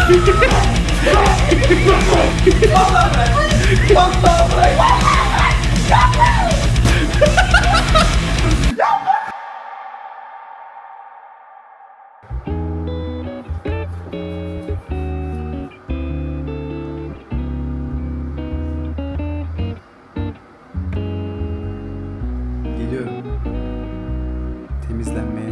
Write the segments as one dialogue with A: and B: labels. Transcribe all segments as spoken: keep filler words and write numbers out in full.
A: Vallahi bırak. Vallahi bırak.
B: Geliyorum. Temizlenmeye.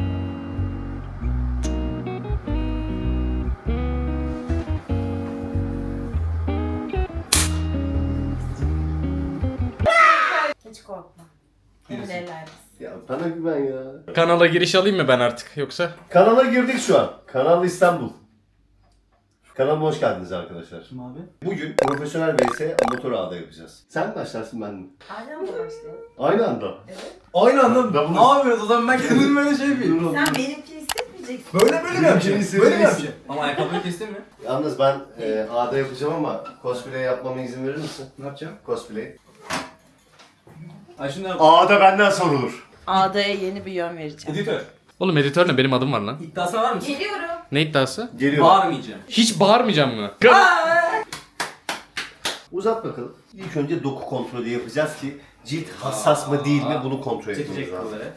C: Hiç korkma. Emin elleriz.
D: Ya bana güven ya.
E: Kanala giriş alayım mı ben artık yoksa?
D: Kanala girdik şu an. Kanal İstanbul. Kanalıma hoş geldiniz arkadaşlar.
B: Kim abi?
D: Bugün profesyonel vs amatör ağda yapacağız. Sen başlarsın ben mi?
C: Aynen mı başlayalım?
D: Aynı anda.
C: Evet.
B: Aynı anda
D: Ben bunu-
B: ne yapıyoruz o zaman ben kendim böyle şey yapayım.
C: Sen benimkini hissetmeyeceksin.
B: Böyle böyle mi yapacağım?
D: Benimkini
B: Böyle mi
D: hissedeceksin.
B: yapacağım? Ama ayakkabıyı kestin mi?
D: Yalnız ben e, ağda yapacağım ama cosplay yapmama izin verir misin?
B: Ne yapacağım?
D: Cosplay.
B: Ay şunu yap.
D: Ağda benden sorulur.
C: Ağdaya yeni bir yön vereceğim.
B: Editör.
E: Oğlum editör ne? Benim adım var lan.
B: İddiasına var mısın?
C: Geliyorum.
E: Ne iddiası?
D: Geliyor.
B: Bağırmayacağım.
E: Hiç bağırmayacağım mı?
D: Uzat bakalım. İlk önce doku kontrolü yapacağız ki cilt hassas mı değil mi bunu kontrol etmemiz
B: Çekecek
D: lazım.
B: kolları.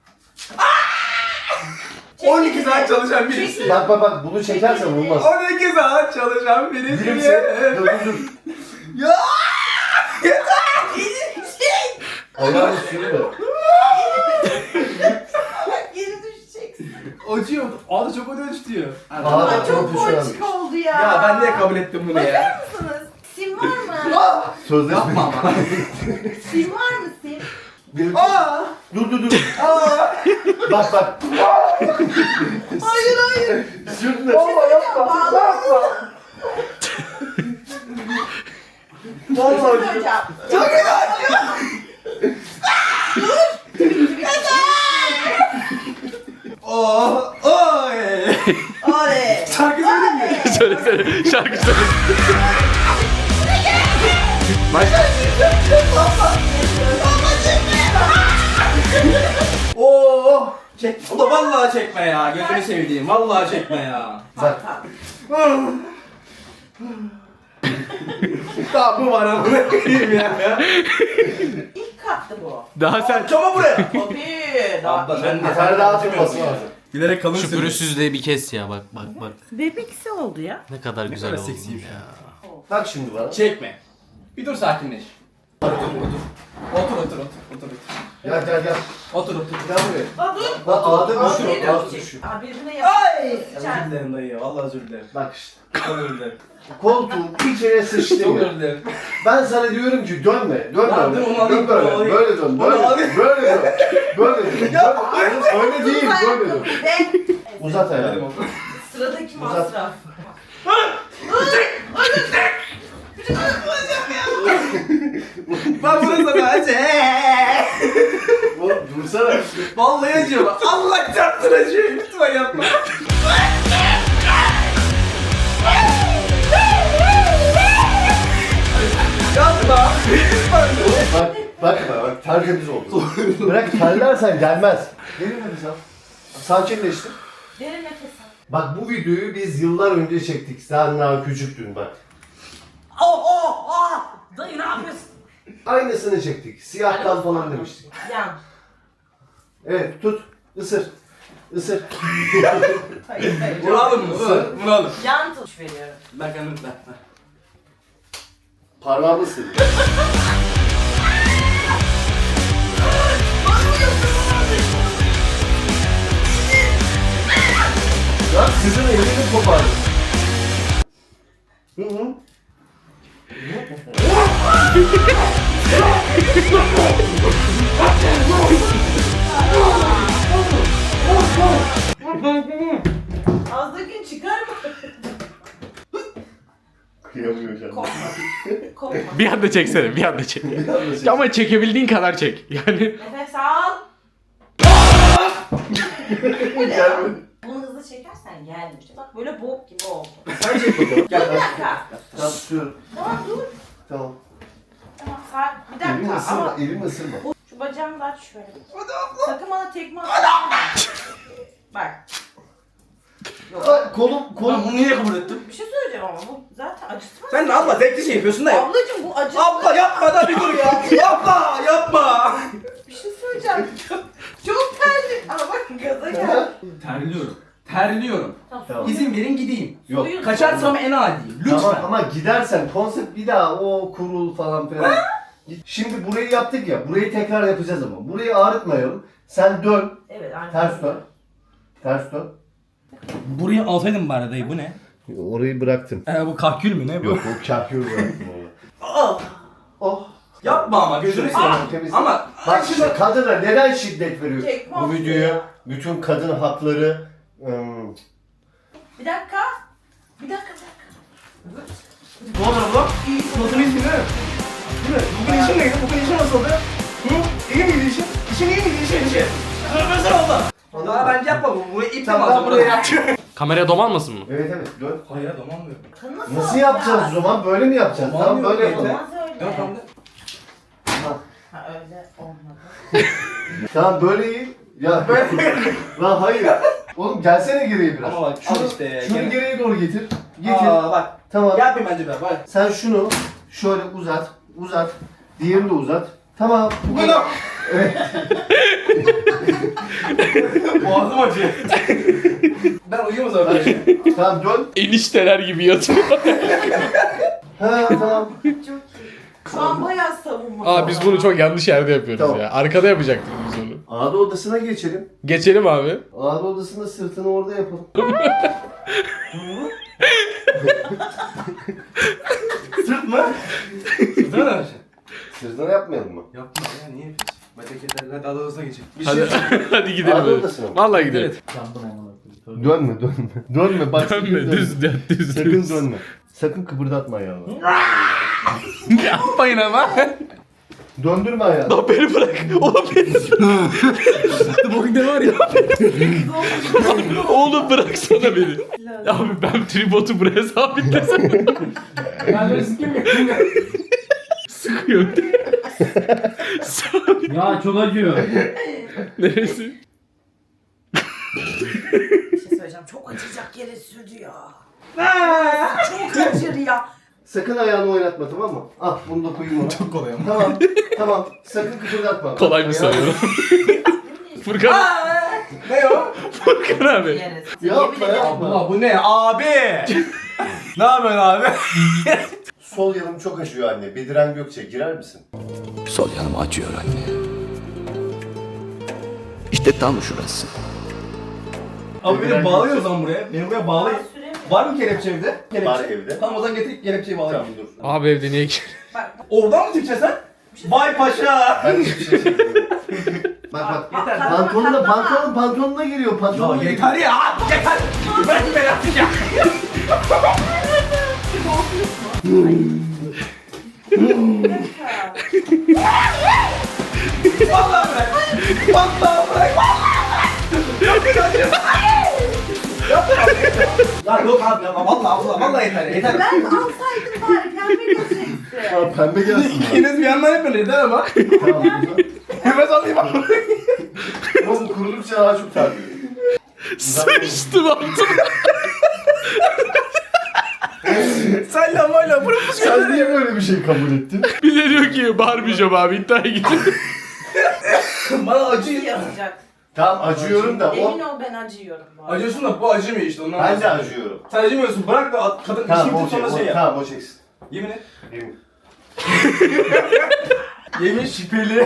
B: on iki saat çalışan birisi.
D: Bak bak bak bunu çekersen olmaz.
B: on iki saat çalışan birisi.
D: Gülümse. Dur dur dur.
B: Ya!
D: Ayağını sürme.
C: Geri düşeceksin.
B: Acıyor. Ağda çok ödünç diyor.
D: Ağda
C: Ama çok
D: profesyonelmiş.
C: ponçik oldu ya.
B: Ya ben niye kabul ettim bunu ya?
C: Bakar mısınız? Sim var mı?
D: Sözleşme.
B: Yapma ama.
C: Sim var mı sim?
D: Bir-
B: Aa!
D: Dur dur dur. Bak bak.
C: Hayır hayır.
D: Sürme.
C: Valla yapma. Yapma.
D: Vallahi
C: Hocam.
B: Çok güzel. Oh! Oy!
C: Oley.
B: Şarkı söyleyeyim mi?
E: Söyle söyle. Şarkı söyle.
B: Oo! Çek. Ulan vallahi çekme ya. Gözünü sevdiğim. Vallahi çekme ya.
D: Bak.
B: Daha bu var ama ne koyayım ya.
C: İlk kattı bu.
E: Daha sen
B: Çama buraya.
C: Tabii. Daha
B: Abla
C: ilk
B: ben
C: kat.
D: Yeter daha atılması lazım.
B: Bilerek kalın
E: şu pürüzsüzlüğü bir kes ya bak bak bak.
C: Bebekisi oldu ya.
E: Ne kadar güzel
B: kadar
E: oldu
B: seksiymiş
E: ya.
D: Bak şimdi bana.
B: Çekme. Bir dur sakinleş. Otur otur otur. Otur otur otur. Otur otur.
D: Gel gel gel.
B: Otur otur.
D: Gel buraya.
C: Aa dur.
D: Bak ağda
C: Aa,
D: düşüyor.
C: geri
D: Ağda
C: düşecek.
D: düşüyor.
C: Aa birbirine yap.
B: Ay!
C: Sıçar.
B: Özür dilerim dayı. Vallahi özür dilerim.
D: Bak işte.
B: Çok özür dilerim.
D: Koltuğun bir kere sıçtı
B: Çok
D: ya.
B: özür dilerim.
D: Ben sana diyorum ki dönme, dönme.
B: Lan dur,
D: öyle.
B: onu alayım,
D: Dön böyle,
B: onu alayım.
D: böyle dön,
B: Onu
D: böyle,
B: alayım.
D: böyle dön, böyle dön. Ya öyle, öyle değil, böyle dön.
C: Ve
D: Uzat ayağını.
C: sıradaki
D: Uzat.
C: masraf.
B: Ben bunu sana acı.
D: Oğlum dursana.
B: Vallahi acıyor bak. Allah çarptın acıyor. Lütfen yapma. Yapma.
D: Bak, bak, bak, bak, tertemiz oldu. Bırak terlersen gelmez. Gelin hadi sen. Sakinleştin.
C: Derin nefes al.
D: Bak bu videoyu biz yıllar önce çektik. Sen daha küçüktün bak.
C: Oh oh oh! Dayı ne yapıyorsun?
D: Aynısını çektik. Siyah kal falan demiştik.
C: Yan.
D: Evet, tut. Isır. Isır.
C: Hayır hayır.
B: Vuralım mı? Vur. Vuralım.
C: Yan tuş veriyorum.
B: Ben kendim ben.
D: Parmağımı ısır. Lan kızın elini kopardı. Hı hı.
C: Ağızdaki çıkar mı?
D: Kıyamıyor canım.
C: Korkma. Korkma.
E: Bir anda çeksene bir anda çek. Ama çekebildiğin kadar çek. Yani
C: Nefes al.
D: Gelmedi.
C: Bunu hızlı çekersen gelmiş. Bak böyle bok gibi oldu.
D: Sen çek bakalım. Gel
C: Bir
D: ben.
C: dakika.
D: Tamam tutuyorum.
C: Tamam dur.
D: Tamam.
C: Tamam saat. Bir
D: Elimi
C: dakika
D: ısırma,
C: ama
D: elimi ısırma.
C: şu bacağımı da aç şöyle. Sakın bana tekme atma. Bak.
D: Ay, kolum
C: Ben
D: kolum.
C: bunu niye kabul ettim?
A: Bir şey söyleyeceğim ama bu zaten acıtmaz.
C: Sen de abla zevkli şey yapıyorsun da yap.
A: Ablacım bu acı.
C: Abla yapma da bir dur ya. Yapma yapma.
A: Bir şey söyleyeceğim. Çok terli. Aa bak gaza gel.
C: Terliyorum. Terliyorum.
D: Tamam.
C: İzin verin gideyim.
D: Yok.
A: Suyun-
C: Kaçarsam en adiyim. Lütfen.
D: Tamam ama gidersen konsept bir daha o kurul falan filan. Şimdi burayı yaptık ya. Burayı tekrar yapacağız ama. Burayı ağrıtmayalım. Sen dön.
A: Evet aynen.
D: Ters dön. Ters dön.
C: Burayı alsaydım bari dayı bu ne?
D: Orayı bıraktım.
C: Ee, bu kahkül mü ne bu?
D: Yok o çarpıyor bıraktım orayı.
C: Ah!
D: Oh.
C: Yapma ama gözünü seveyim.
D: Temiz.
C: Ama
D: Bak şimdi kadına neden şiddet veriyor?
A: Çekmez
D: Bu videoya
A: ya.
D: bütün kadın hakları ım,
A: Bir dakika. Bir dakika bir dakika.
C: ne olur bu? Nasıl iyisin değil mi? Değil mi? Bugün işin neydi? Bugün işin nasıldı? Hı? İyi miydi işin? İşin iyi miydi işin işin? Sözmesen oldu. Daha bence yapma bu. Buraya ip
D: Tamam,
C: tamam,
D: ben buraya
E: Kameraya domalmasın mı?
D: evet evet dön.
C: Hayır domalmıyor.
A: Nasıl,
D: Nasıl yapacağız o zaman? Böyle mi yapacağız?
C: Tamam,
D: Tamam böyle
C: yok,
D: yapalım.
C: yeter.
A: Olmaz öyle.
C: Yok tamam.
A: Ha öyle olmadı.
D: Tamam böyle iyi. Ya lan hayır. Oğlum gelsene geriye biraz.
C: Ama bak, al
D: şunu,
C: işte,
D: şunu
C: gene.
D: geriye doğru getir. Getir.
C: Aa bak.
D: Tamam.
C: Yapmayayım bence ben. Bak.
D: Sen şunu şöyle uzat. Uzat. Diğerini de uzat. Tamam. Bu kadar.
C: Bunu. Boğazım acıyor. Ben uyuyayım o zaman.
D: Tamam dön.
E: Enişteler gibi yatıyor.
D: Ha tamam.
A: Çok iyi. Şu an bayağı savunma.
E: Aa biz bunu çok yanlış yerde yapıyoruz
D: Tamam.
E: ya. Arkada yapacaktık biz onu.
D: Ağda odasına geçelim.
E: Geçelim abi.
D: Ağda odasında sırtını orada yapalım.
C: Sırt mı? Sırt mı öyle?
D: Sırtını yapmayalım mı?
C: Yapma ya niye yapıyorsun? Bacak hadi adamızına geçelim.
D: Bir
E: Hadi,
D: şey
E: hadi gidelim.
D: Ağda
E: hadi.
D: odasına mı?
E: Vallahi gidelim.
D: Dönme dönme. Dönme bak. sakın
E: Dönme düz düz düz.
D: Sakın
E: düz.
D: dönme. Sakın kıpırdatma ayağını.
E: Yapmayın ama.
D: Döndürme ayağını.
E: Lan beni bırak. Oğlum beni.
C: Bugün ne var ya?
E: Oğlum bıraksana beni. Abi ben tripodu buraya sabitlesem.
C: Ben böyle sikeyim mi?
E: Sıkıyor. Sabit.
C: Ya çok acıyor.
E: Neresi?
A: Bir şey söyleyeceğim. Çok acıyacak yere sürdü ya. Çok acır ya.
D: Sakın ayağını oynatma tamam mı? Ah bunu da koyayım ona.
C: Çok kolay ama.
D: Tamam. Tamam. Sakın kıpırdatma.
E: Kolay mı
D: Ayağını-
E: sanıyorum? Furkan,
C: Ne o?
E: Furkan abi.
A: Yeriz.
D: Yapma,
A: Yemin ederim.
D: yapma.
C: Abla bu ne abi? Ne yapıyorsun abi?
D: Sol yanım çok acıyor anne. Bediren Gökçe girer misin?
F: Sol yanım acıyor anne. İşte tam şurası.
C: Abi beni bağlıyor o zaman buraya. Beni buraya bağlayın.
A: Aa, süre mi?
C: Var mı kelepçe evde? Kelepçe.
D: Var evde.
C: Tamam o zaman getir kelepçeyi bağlayayım.
D: Tamam dur.
E: Abi evde niye ki?
A: Bak
C: Oradan mı çıkacaksın sen? Vay paşa.
D: Ben de bir şey çekiyorum. Bak bak.
C: Yeter.
A: Katlama,
D: Pantolonuna,
A: katlama.
D: pantolon, pantolonuna giriyor.
C: Ya
D: Pantolonuna
C: yeter ya. Yeter. Bırak beni artık ya. Vallahi bırak. Vallahi bırak. Lan yok abi ya. Vallahi vallahi vallahi yeter yeter.
A: ben alsaydım bari pembe götüreceksin.
D: Ha, pembe gelsin.
C: İkiniz bir yandan yapın yeter ama.
D: Tamam. güzel.
C: Hemen alayım abi.
D: Ama bu kurudukça daha çok terliyor.
E: Sıçtım altına.
C: Sen lamayla bunu bu
D: Sen niye böyle bir şey kabul ettin?
E: Bir de diyor ki bağırmayacağım abi iddiaya gidin.
C: bana acıyor.
A: Yazacak.
D: Tamam acıyorum da
A: Emin
D: o...
A: ol ben acıyorum bu arada.
C: Acıyorsun da bu acımıyor işte ondan.
D: Ben de acıyorum.
C: Sen acımıyorsun bırak da at- kadın
D: Tamam
C: işini
D: o
C: tut
D: çek.
C: sonra şey
D: o-
C: yap.
D: Tamam o çeksin.
C: Yemin et.
D: Yemin.
C: Yemin şüpheli.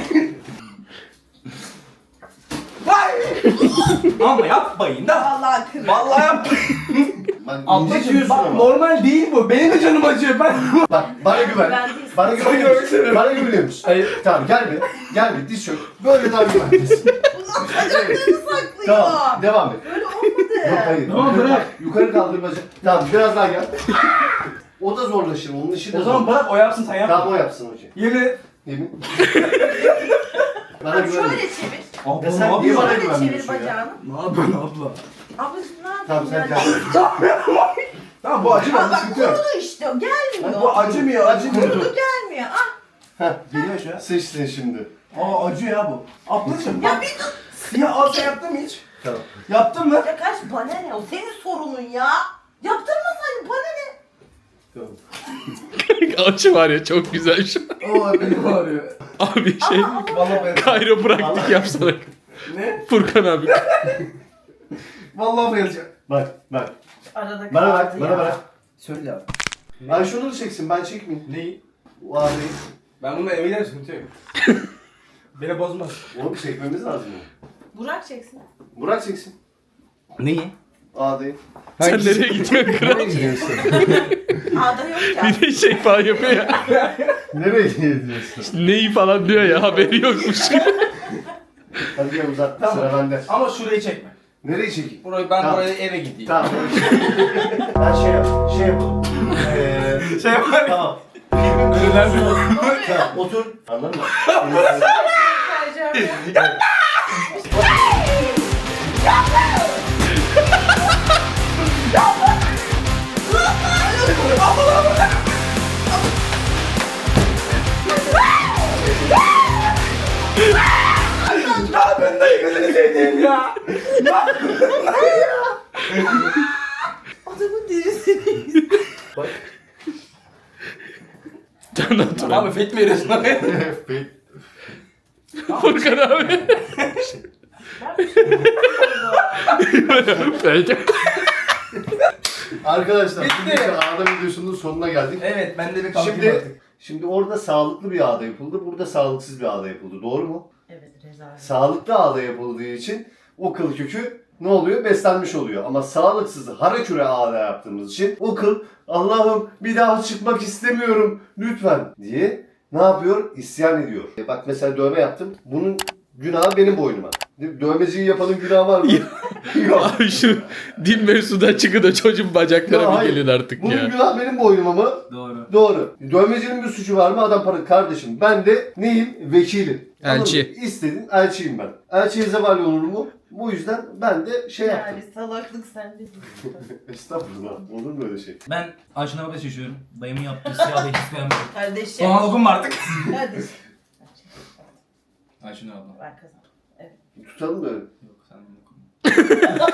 C: Vay! Ama yapmayın da.
A: Vallahi kırık.
C: Vallahi yapmayın.
D: Bak
C: Ablacığım
D: incitiyorsun
C: bak
D: ama.
C: normal değil bu. Benim de canım acıyor. Ben
D: Bak bana güven.
A: Ben değilim.
D: Bana güveniyor musun? Bana güveniyor musun?
C: Hayır.
D: Tamam gel bir. Gel bir diz çök. Böyle daha güvendesin.
A: Ulan bacaklarını saklıyor.
D: Tamam devam et.
A: Böyle olmadı.
D: Yok hayır.
C: Tamam,
D: yukarı,
C: bırak.
D: Yukarı kaldır bacak. Tamam biraz daha gel. O da zorlaşır. Onun işi de
C: O zaman
D: zor.
C: bırak o yapsın sen yapma.
D: Tamam o yapsın hocam.
C: Yemin et.
D: Yemin. Bana
A: Bak
D: güven.
A: şöyle çevir.
C: Abla
D: Ya sen
C: ne
D: niye
C: yapıyorsun?
D: bana
A: Şöyle çevir
D: güvenmiyorsun ya?
A: bacağını.
C: Ne yapıyorsun abla?
A: Ablacığım ne yapayım
D: Tamam sen
A: yani?
D: gel.
C: Tamam bu acımıyor.
A: Aa, bak
C: Sıkıntı yok.
A: kurudu işte o gelmiyor.
C: Bu acımıyor acımıyor.
A: Kurudu gelmiyor. Ah.
D: Heh,
C: Geliyor şu an.
D: sıçtın şimdi.
C: Aa acıyor ya bu. Ablacığım
A: Ya
C: bak.
A: bir dur.
C: Ya al sen yaptın mı hiç?
D: Tamam.
C: Yaptın mı?
A: Ya kaç bana ne? O senin sorunun ya. Yaptırmasaydın bana ne?
D: Tamam.
E: Açı var ya çok güzel şu an.
C: Oo benim ağrıyor.
E: Abi şey
C: Vallahi ben.
E: kayropraktik yapsana.
C: Ne?
E: Furkan abi.
C: Vallahi bayılacağım.
D: Bak bak.
A: Arada
D: Bana
A: kaldı
D: bak,
A: ya.
D: bana bak.
C: Söyle abi.
D: Ben şunu da çeksin, ben çekmeyeyim.
C: Neyi?
D: O ağrıyı.
C: Ben bununla eve giderim, sıkıntı yok. Beni bozmaz.
D: Oğlum çekmemiz lazım ya.
A: Burak çeksin.
D: Burak çeksin.
C: Neyi?
D: Ağdayı.
E: Sen nereye gidiyorsun kral?
A: Ağda yok ya.
E: Bir de şey falan yapıyor ya.
D: Nereye gidiyorsun?
E: Neyi falan diyor ya haberi yokmuş.
D: Hadi gel uzat,
C: Tamam.
D: sıra bende.
C: Ama şurayı çekme.
D: Nereye çekeyim?
C: Burayı ben
D: Tamam.
C: buraya eve gideyim.
D: Tamam. Ben şey yap, şey yapalım. Eee...
C: Şey var.
D: Tamam. Filmin
C: Önünden bir
D: Tamam, otur. Anladın mı?
C: Ya ben de gözünü seveyim ya.
A: Adamın derisini.
E: Can otur.
C: Abi fake mi veriyorsun abi?
E: Furkan abi. Bence.
D: Arkadaşlar,
C: Bitti.
D: bugünkü ağda videosunun sonuna geldik.
C: Evet ben de bir kalkayım
D: Şimdi,
C: artık.
D: şimdi orada sağlıklı bir ağda yapıldı, burada sağlıksız bir ağda yapıldı. Doğru mu?
A: Evet rezalet.
D: Sağlıklı ağda yapıldığı için o kıl kökü ne oluyor? Beslenmiş oluyor. Ama sağlıksız haraküre ağda yaptığımız için o kıl Allah'ım bir daha çıkmak istemiyorum lütfen diye ne yapıyor? İsyan ediyor. E bak mesela dövme yaptım. Bunun günahı benim boynuma. Dövmeciyi yapanın günahı var mı? Yok.
E: Abi şu din mevzudan çıkın da çocuğun bacakları
D: Ya
E: bir
D: hayır.
E: gelin artık
D: Bunun
E: ya.
D: günahı benim boynuma mı?
C: Doğru.
D: Doğru. Dövmecinin bir suçu var mı? Adam para kardeşim. Ben de neyim? Vekilim.
E: Elçi.
D: Anladın mı? İstedin elçiyim ben. Elçiye zeval olur mu? Bu yüzden ben de şey yaptım.
A: Yani salaklık sende.
D: Estağfurullah. Olur mu öyle şey?
G: Ben Ayşen abla seçiyorum. Dayımın yaptığı siyah da hiç beğenmedim.
A: Kardeşim.
G: Bana dokunma artık.
A: Kardeşim.
G: Ayşen abla.
A: Ben kazandım.
D: Tutalım böyle.
G: Yok sen dokunma.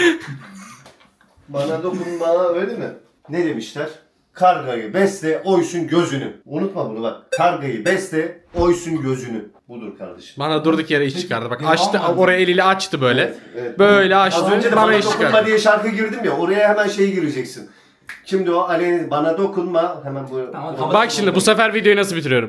D: Bana dokunma öyle mi? Ne demişler? Kargayı besle, oysun gözünü. Unutma bunu bak. Kargayı besle, oysun gözünü. Budur kardeşim.
E: Bana durduk yere iş çıkardı. Bak
G: Devam
E: açtı
G: var.
E: oraya eliyle açtı böyle.
D: Evet, evet.
E: Böyle
D: Az
E: açtı
D: önce de
E: bana
D: bana
E: iş
D: dokunma
E: çıkardı.
D: diye şarkı girdim ya. Oraya hemen şey gireceksin. Kimdi o? Aleyna bana dokunma. Hemen bu.
G: Tamam,
D: bu-
G: tamam.
E: Bak şimdi bu sefer videoyu nasıl bitiriyorum?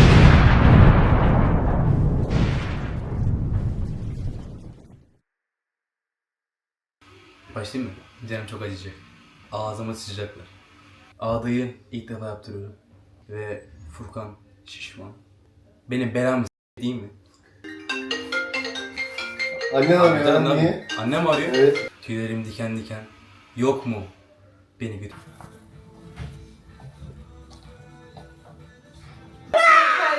G: Başlayayım mı? Canım çok acıyacak. Ağzıma sıçacaklar. Ağdayı ilk defa yaptırıyorum. Ve Furkan şişman. Benim belam s- değil mi?
D: Annen
G: Abi,
D: arıyor lan
G: canım,
D: niye?
G: Annem arıyor.
D: Evet.
G: Tüylerim diken diken. Yok mu? Beni bir